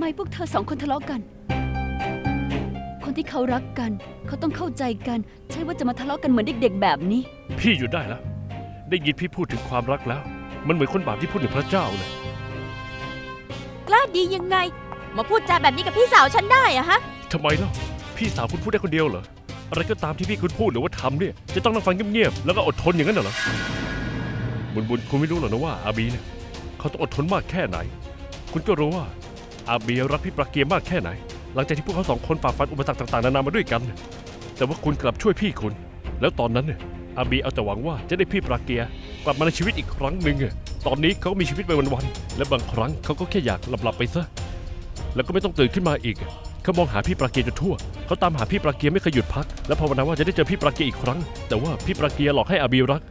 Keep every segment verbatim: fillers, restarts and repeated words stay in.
พวกเธอสองคนทะเลาะกันคนที่เขารักกันเขาต้องเข้าใจกันใช่ว่าจะมาทะเลาะกันเหมือนเด็กๆแบบนี้พี่หยุดได้แล้วได้ยินพี่พูดถึงความรักแล้วมันเหมือนคนบาปที่พูดถึงพระเจ้าเลยกล้าดียังไงมาพูดจาแบบนี้กับพี่สาวฉันได้อะฮะทำไมล่ะพี่สาวคุณพูดได้คนเดียวเหรออะไรก็ตามที่พี่คุณพูดหรือว่าทำเนี่ยจะต้องนั่งฟังเงียบๆแล้วก็อดทนอย่างนั้นเหรอบุญบุญคุณไม่รู้หรอกนะว่าอาบีเนี่ยเขาต้องอดทนมากแค่ไหนคุณก็รู้ว่าอาบีรักพี่ปราเกียร์มากแค่ไหนหลังจากที่พวกเขาสองคนฝ่าฟันอุปสรรคต่างๆนานามาด้วยกันแต่ว่าคุณกลับช่วยพี่คุณแล้วตอนนั้นเนี่ยอาบีเอาแต่หวังว่าจะได้พี่ปราเกียร์กลับมาในชีวิตอีกครั้งหนึ่งตอนนี้เขาก็มีชีวิตไปวันๆและบางครั้งเขาก็แค่อยากหลับๆไปซะแล้วก็ไม่ต้องตื่นขึ้นมาอีกเขามองหาพี่ปราเกียร์จนทั่วเขาตามหาพี่ปราเกียร์ไม่เคยหยุดพักและภาวนาว่าจะได้เจอพี่ปราเกียร์อีกครั้งแต่ว่าพี่ปราเกียร์หลอกให้อาบีรัก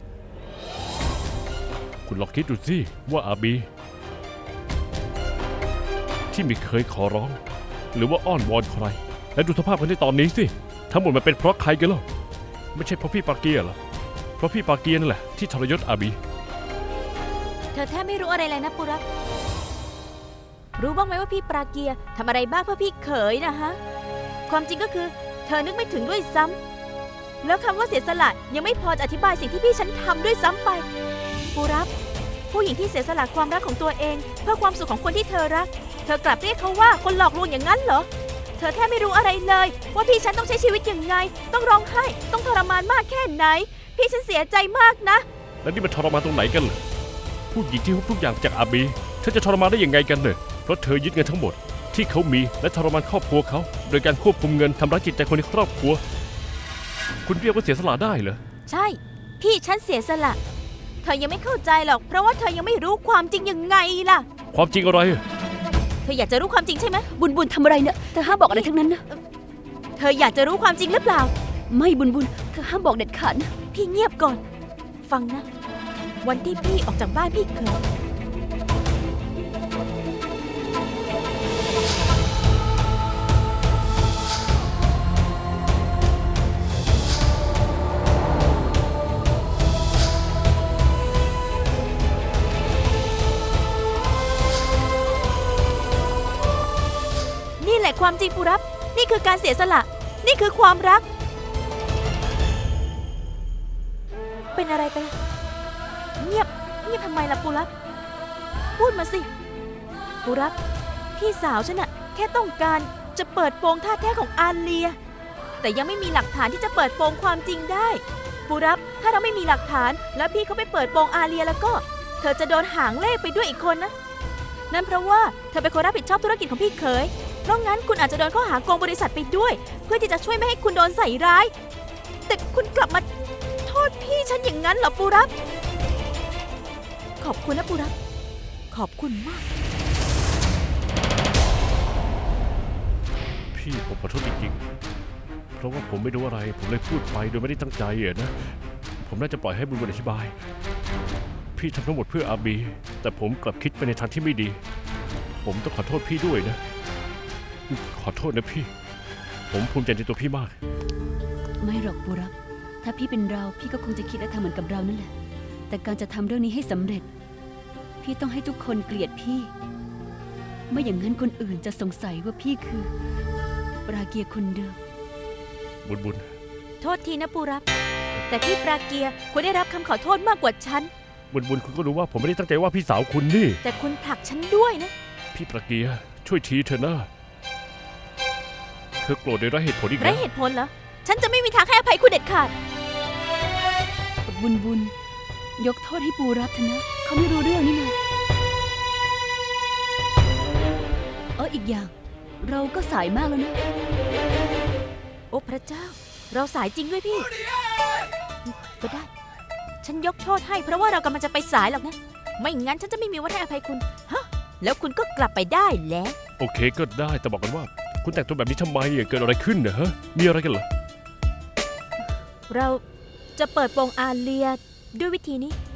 คุณลองคิดดูสิว่าอาบีที่ไม่เคยขอร้องหรือว่าอ้อนวอนใครและดูสภาพกันในตอนนี้สิทั้งหมดมันเป็นเพราะใครกันล่ะไม่ใช่เพราะพี่ปราเกียร์หรอเพราะพี่ปราเกียร์นั่นแหละที่ทรยศอาบีเธอแทบไม่รู้อะไรเลยนะปุระรู้บ้างไหมว่าพี่ปราเกียร์ทำอะไรบ้างเพื่อพี่เขยนะฮะความจริงก็คือเธอนึกไม่ถึงด้วยซ้ำแล้วคำว่าเสียสละยังไม่พอจะอธิบายสิ่งที่พี่ฉันทำด้วยซ้ำไปปุระผู้หญิงที่เสียสละความรักของตัวเองเพื่อความสุขของคนที่เธอรักเธอกลับเรียกเขาว่าคนหลอกลวงอย่างนั้นเหรอเธอแทบไม่รู้อะไรเลยว่าพี่ฉันต้องใช้ชีวิตยังไงต้องร้องไห้ต้องทรมานมากแค่ไหนพี่ฉันเสียใจมากนะแล้วนี่มันทรมานตรงไหนกันล่ะผู้หญิงที่ฮุบทุกอย่างจากอาบีเธอจะทรมานได้ยังไงกันเนี่ยเพราะเธอยึดเงินทั้งหมดที่เขามีและทรมานครอบครัวเขาโดยการควบคุมเงินทำร้ายจิตใจคนในครอบครัวคุณเรียกว่าเสียสละได้เหรอใช่พี่ฉันเสียสละเธอยังไม่เข้าใจหรอกเพราะว่าเธอยังไม่รู้ความจริงยังไงล่ะความจริงอะไรเธออยากจะรู้ความจริงใช่ไหมบุญบุญทำอะไรเนี่ยเธอห้ามบอกอะไรทั้งนั้นนะเธออยากจะรู้ความจริงหรือเปล่าไม่บุญบุญเธอห้ามบอกเด็ดขาดนะพี่เงียบก่อนฟังนะวันที่พี่ออกจากบ้านพี่เคยนี่แหละความจริงปุรับนี่คือการเสียสละนี่คือความรักเป็นอะไรไปล่ะเงียบเงียบทำไมล่ะปุรับพูดมาสิปุรับพี่สาวฉันน่ะแค่ต้องการจะเปิดโปงท่าแท้ของอาเลียแต่ยังไม่มีหลักฐานที่จะเปิดโปงความจริงได้ปุรับถ้าเราไม่มีหลักฐานแล้วพี่เขาไปเปิดโปงอาเลียแล้วก็เธอจะโดนหางเลขไปด้วยอีกคนนะนั่นเพราะว่าเธอเป็นคนรับผิดชอบธุรกิจของพี่เขยเพราะงั้นคุณอาจจะโดนข้อหาโกงบริษัทไปด้วยเพื่อที่จะช่วยไม่ให้คุณโดนใส่ร้ายแต่คุณกลับมาโทษพี่ฉันอย่างนั้นเหรอปูรับขอบคุณนะปูรับขอบคุณมากพี่ผมขอโทษจริงๆเพราะว่าผมไม่รู้อะไรผมเลยพูดไปโดยไม่ได้ตั้งใจอ่ะนะผมน่าจะปล่อยให้บุญบุญอธิบายพี่ทำทั้งหมดเพื่ออาบีแต่ผมกลับคิดไปในทางที่ไม่ดีผมต้องขอโทษพี่ด้วยนะขอโทษนะพี่ผมภูมิใจในตัวพี่มากไม่หรอกปุรับถ้าพี่เป็นเราพี่ก็คงจะคิดและทำเหมือนกับเรานั่นแหละแต่การจะทำเรื่องนี้ให้สำเร็จพี่ต้องให้ทุกคนเกลียดพี่ไม่อย่างนั้นคนอื่นจะสงสัยว่าพี่คือปราเกียร์คนเดิมบุญบุญโทษทีนะปูรับแต่พี่ปราเกียร์ควรได้รับคำขอโทษมากกว่าฉันบุญบุญคุณก็รู้ว่าผมไม่ได้ตั้งใจว่าพี่สาวคุณนี่แต่คุณผลักฉันด้วยนะพี่ปราเกียร์ช่วยทีเถอะนะเธอโกรธโดยไร้เหตุผลอีกแล้วไร้เหตุผลเหรอฉันจะไม่มีทางให้อภัยคุณเด็ดขาดบุญบุญยกโทษให้ปูรับเถอะนะเขาไม่รู้เรื่องนี่นะเอออีกอย่างเราก็สายมากแล้วนะโอ้พระเจ้าเราสายจริงด้วยพี่ก็ได้ฉันยกโทษให้เพราะว่าเรากำลังจะไปสายหรอกนะไม่งั้นฉันจะไม่มีวันให้อภัยคุณฮะแล้วคุณก็กลับไปได้แล้วโอเคก็ได้แต่บอกกันว่าคุณแต่งตัวแบบนี้ทำไมเกิดอะไรขึ้นเนอะฮะมีอะไรกันเหรอเราจะเปิดโปงอาเลียด้วยวิธีนี้